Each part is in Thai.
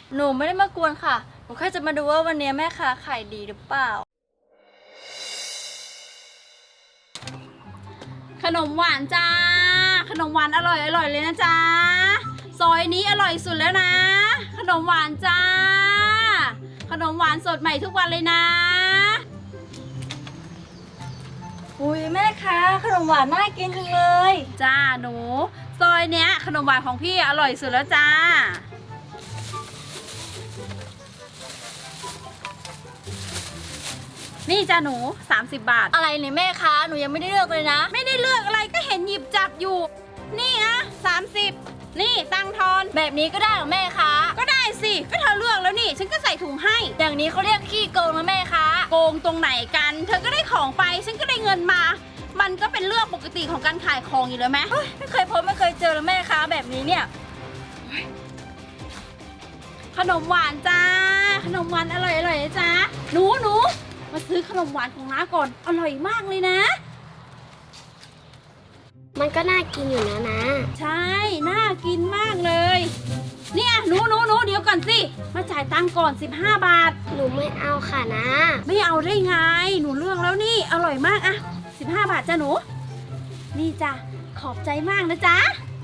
หนูไม่ได้มากวนค่ะหนูแค่จะมาดูว่าวันนี้แม่ค้าขายดีหรือเปล่าขนมหวานจ้าขนมหวานอร่อยเลยนะจ๊ะซอยนี้อร่อยสุดแล้วนะขนมหวานจ้าขนมหวานสดใหม่ทุกวันเลยนะอุ้ยแม่ค้าขนมหวานน่ากินจังเลยจ้าหนูซอยเนี้ยขนมหวานของพี่อร่อยสุดแล้วจ้านี่จ้าหนู30 บาทอะไรเนี่ยแม่ค้าหนูยังไม่ได้เลือกเลยนะไม่ได้เลือกอะไรก็เห็นหยิบจับอยู่นี่อะ30นี่ตังทอนแบบนี้ก็ได้เหรอแม่ค้าก็ได้สิก็เธอเลือกแล้วนี่ฉันก็ใส่ถุงให้อย่างนี้เขาเรียกขี้โกงนะแม่ค้าโกงตรงไหนกันเธอก็ได้ของไปฉันก็ได้เงินมามันก็เป็นเรื่องปกติของการขายของอยู่แล้วไหมไม่เคยพบไม่เคยเจอเลยแม่ค้าแบบนี้เนี่ยขนมหวานจ้าขนมหวานอร่อยนะจ้าหนูมาซื้อขนมหวานของน้าก่อนอร่อยมากเลยนะมันก็น่ากินอยู่นะนะใช่น่ากินมากเลย เนี่ยหนูเดี๋ยวก่อนสิมาจ่ายตังค์ก่อน15 บาทหนูไม่เอาค่ะนะไม่เอาได้ไงหนูเลือกแล้วนี่อร่อยมากอะ15 บาทจ้ะหนูนี่จ้ะขอบใจมากนะจ๊ะ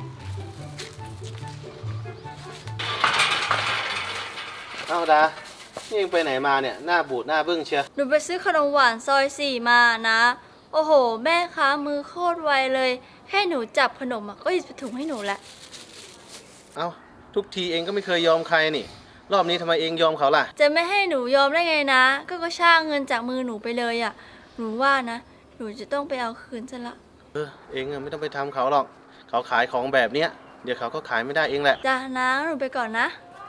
เอาดานี่ยังไปไหนมาเนี่ยหน้าบูดหน้าบึ้งเชียวหนูไปซื้อขนมหวานซอย4มานะโอ้โหแม่ค้ามือโคตรไวเลยแค่หนูจับขนมก็หยิบถุงให้หนูละเอาทุกทีเองก็ไม่เคยยอมใครนี่รอบนี้ทำไมเองยอมเขาล่ะจะไม่ให้หนูยอมได้ไงนะก็ช่างเงินจากมือหนูไปเลยอ่ะหนูว่านะหนูจะต้องไปเอาคืนซะละเองไม่ต้องไปทำเขาหรอกเขาขายของแบบเนี้ยเดี๋ยวเขาก็ขายไม่ได้เองแหละจ้านะหนูไปก่อนนะ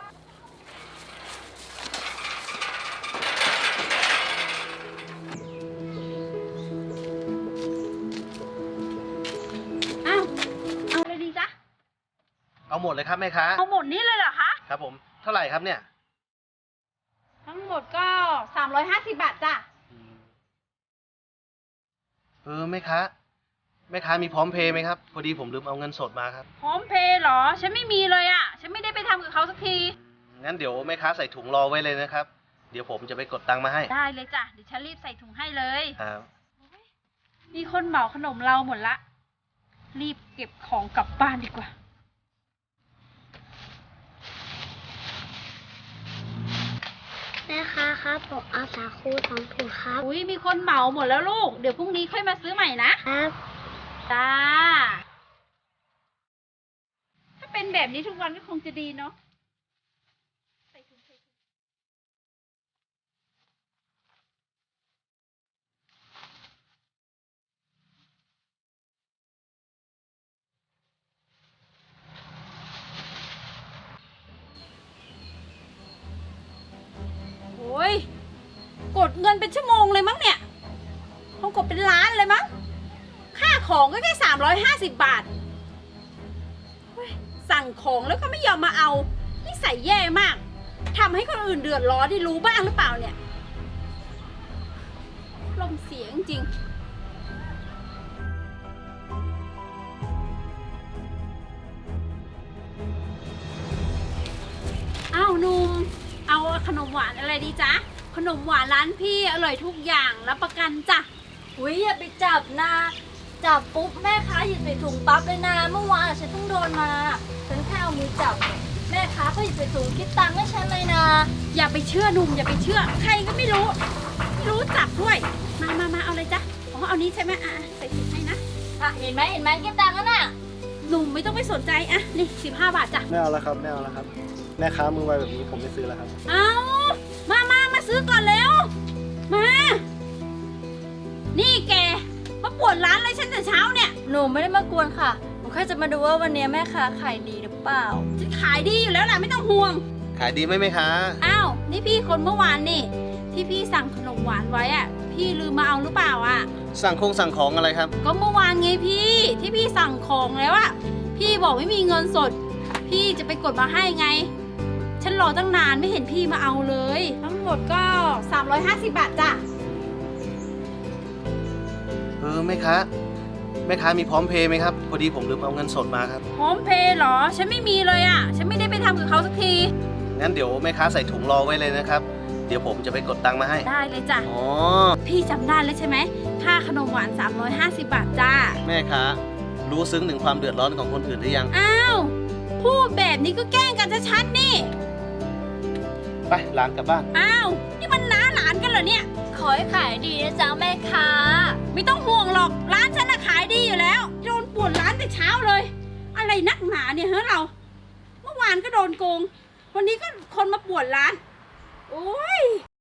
เอาเลยดีจ๊ะเอาหมดเลยครับแม่ค้าเอาหมดนี้เลยเหรอคะครับผมเท่าไหร่ครับเนี่ยทั้งหมดก็350 บาทจ้ะแม่ค้ามีพร้อมเพย์ไหมครับพอดีผมลืมเอาเงินสดมาครับพร้อมเพย์เหรอฉันไม่มีเลยอ่ะฉันไม่ได้ไปทำกับเขาสักทีงั้นเดี๋ยวแม่ค้าใส่ถุงรอไว้เลยนะครับเดี๋ยวผมจะไปกดตังค์มาให้ได้เลยจ้ะเดี๋ยวฉันรีบใส่ถุงให้เลยครับมีคนเหมาขนมเราหมดละรีบเก็บของกลับบ้านดีกว่าแม่ค้าครับผมเอาสาคู2 ถุงครับอุ้ยมีคนเหมาหมดแล้วลูกเดี๋ยวพรุ่งนี้ค่อยมาซื้อใหม่นะครับจ้าถ้าเป็นแบบนี้ทุกวันก็คงจะดีเนาะโอ้ยกดเงินเป็นชั่วโมงเลยมั้งเนี่ยคงกดเป็นล้านเลยมั้งค่าของก็แค่350 บาทสั่งของแล้วก็ไม่ยอมมาเอานิสัยแย่มากทำให้คนอื่นเดือดร้อนได้รู้บ้างหรือเปล่าเนี่ยลมเสียจริงอ้าวนุ่มเอาขนมหวานอะไรดีจ๊ะขนมหวานร้านพี่อร่อยทุกอย่างรับประกันจ้ะอุ้ยอย่าไปจับนะจับปุ๊บแม่ค้าหยิบใส่ถุงปั๊บเลยนะเมื่อวานฉันเพิ่งโดนมาฉันแค่เอามือจับแม่ค้าก็หยิบใส่ถุงคิดตังค์ให้ฉันเลยนะอย่าไปเชื่อนุ่มอย่าไปเชื่อใครก็ไม่รู้จักด้วยมาเอาเลยจ้ะเอานี้ใช่ไหมใส่ถุงให้นะเห็นไหมคิดตังค์แล้วน่ะหนุ่มไม่ต้องไปสนใจนี่15 บาทจ้ะไม่เอาแล้วครับแม่ค้ามือไวแบบนี้ผมไม่ซื้อแล้วครับเอามาซื้อก่อนเร็วมานี่แกมาปวดร้านเลยฉันแต่เช้าเนี่ยหนูไม่ได้มากวนค่ะหนูแค่จะมาดูว่าวันนี้แม่ค้าขายดีหรือเปล่าฉันขายดีอยู่แล้วแหละไม่ต้องห่วงขายดีไหมแม่ค้าอ้าวนี่พี่คนเมื่อวานนี่ที่พี่สั่งขนมหวานไว้พี่ลืมมาเอาหรือเปล่าสั่งของอะไรครับก็เมื่อวานไงพี่ที่พี่สั่งของแล้วพี่บอกไม่มีเงินสดพี่จะไปกดมาให้ไงฉันรอตั้งนานไม่เห็นพี่มาเอาเลยทั้งหมดก็350 บาทจ้ะแม่ค้ามีพร้อมเพย์ไหมครับพอดีผมลืมเอาเงินสดมาครับพร้อมเพย์เหรอฉันไม่มีเลยฉันไม่ได้ไปทำกับเขาสักทีงั้นเดี๋ยวแม่ค้าใส่ถุงรอไว้เลยนะครับ เดี๋ยวผมจะไปกดตังค์มาให้ได้เลยจ้ะอ๋อพี่จำได้แล้วใช่ไหมค่าขนมหวาน350 บาทจ้าแม่ค้ารู้ซึ้งถึงความเดือดร้อนของคนอื่นหรือยังอ้าวพูดแบบนี้ก็แกล้งกันชัดๆนี่ไปหลานกลับบ้านอ้าวนี่มันน้าหลานกันเหรอเนี่ยขอให้ขายดีนะจ๊ะแม่ค้าไม่ต้องห่วงหรอกร้านฉันน่ะขายดีอยู่แล้วโดนป่วนร้านแต่เช้าเลย อะไรนักหนาเนี่ยเฮ้ยเรา เมื่อวานก็โดนโกง วันนี้ก็คนมาป่วนร้าน โอ้ย